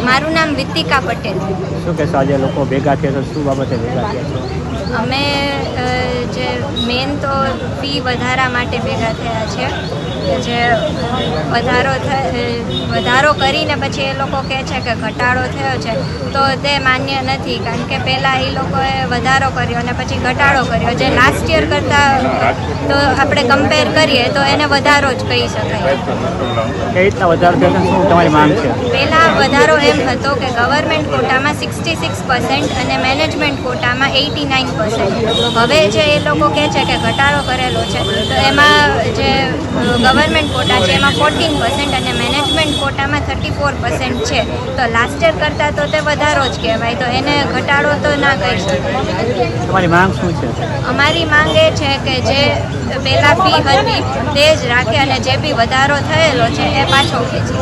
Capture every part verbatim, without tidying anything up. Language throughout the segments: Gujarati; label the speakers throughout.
Speaker 1: મારું નામ વિતિકા પટેલ.
Speaker 2: શું કહેશો આજે લોકો ભેગા થયા છે, શું બાબતે ભેગા થયા છો?
Speaker 1: અમે અ, જે મેન તો ફી વધારા માટે ભેગા થયા છે કે જે વધારો થ- વધારો કરીને પછી એ લોકો કહે છે કે ઘટાડો થયો છે, તો તે માન્ય નથી. કારણ કે પહેલાં એ લોકોએ વધારો કર્યો અને પછી ઘટાડો કર્યો, જે લાસ્ટ યર કરતાં તો આપણે કમ્પેર કરીએ તો એને વધારો જ કહી શકાય.
Speaker 2: કઈ રીતના વધારો થયો છે, શું તમારી માંગ છે?
Speaker 1: પહેલાં વધારો એમ હતો કે ગવર્મેન્ટ કોટામાં સિક્સટી સિક્સ પર્સન્ટ અને મેનેજમેન્ટ કોટામાં એટી નાઇન પર્સન્ટ. હવે જે એ લોકો કહે છે કે ઘટાડો કરેલો છે, તો એમાં જે ગવર્મેન્ટ કોટા છે એમાં ફોર્ટીન પર્સન્ટ અને મેનેજમેન્ટ કોટામાં થર્ટી ફોર પર્સન્ટ છે. તો લાસ્ટ યર કરતાં તો તે વધારો જ કહેવાય, તો એને ઘટાડો તો ના કહી શકાય.
Speaker 2: તમારી માંગ શું છે?
Speaker 1: અમારી માંગ એ છે કે જે પહેલાં ફી હતી તે જ રાખે અને જે બી વધારો થયેલો છે એ પાછો ખેંચે.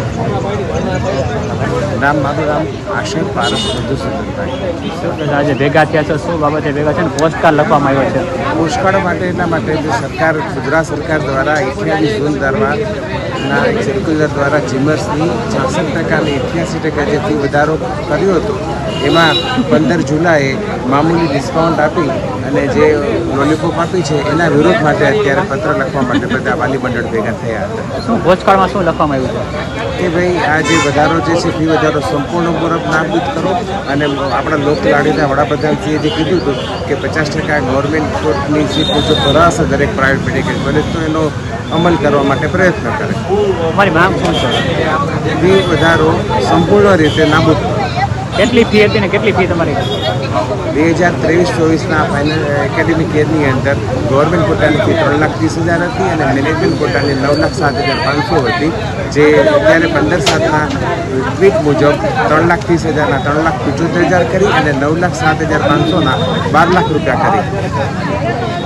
Speaker 3: નામ મારું નામ આશિક પારસ મધુસૂદનભાઈ.
Speaker 2: શું કહેશો આજે ભેગા થયા છો, શું બાબતે ભેગા છે ને પોસ્ટકાર્ડ લખવામાં આવ્યો છે?
Speaker 3: પુષ્કળ માટે એટલા માટે જે સરકાર ગુજરાત સરકાર દ્વારા અઠ્યાવીસ જૂન દરમિયાનના એક સર્ક્યુલર દ્વારા જીમર્સની છાસઠ ટકા અને અઠ્યાસી ટકા જે ફી વધારો કર્યો હતો, એમાં પંદર જુલાઈએ મામૂલી ડિસ્કાઉન્ટ આપી અને જે લોલીપોપ આપી છે એના વિરોધ માટે અત્યારે પત્ર લખવા માટે બધા વાલી મંડળ ભેગા થયા હતા.
Speaker 2: શું પોસ્ટકાર્ડમાં શું લખવામાં આવ્યું છે?
Speaker 3: કે ભાઈ આ જે વધારો જે છે ફી વધારો સંપૂર્ણપૂર્વક નાબૂદ કરો અને આપણા લોકલાડીના વડાપ્રધાનશ્રીએ જે કીધું હતું કે પચાસ ટકા ગવર્મેન્ટ કોર્ટની સીટ મુજબ ભરાશે દરેક પ્રાઇવેટ મેડિકલ કોલેજ, તો એનો અમલ કરવા માટે પ્રયત્ન કરે.
Speaker 2: તમારી માંગ શું છે?
Speaker 3: ફી વધારો સંપૂર્ણ રીતે નાબૂદ કરો.
Speaker 2: કેટલી ફી હતી ને કેટલી ફી તમારી?
Speaker 3: બે હજાર ત્રેવીસ ચોવીસના ફાઇનલ એકેડેમિક યરની અંદર ગવર્મેન્ટ કોટાની ફી ત્રણ લાખ ત્રીસ હજાર હતી અને મેનેજમેન્ટ કોટાની નવ લાખ સાત હજાર પાંચસો હતી, જે અત્યારે પંદર સાતના ટ્વીટ મુજબ ત્રણ લાખ ત્રીસ હજારના ત્રણ લાખ પંચોતેર હજાર કરી અને નવ લાખ સાત હજાર પાંચસોના બાર લાખ રૂપિયા કરી.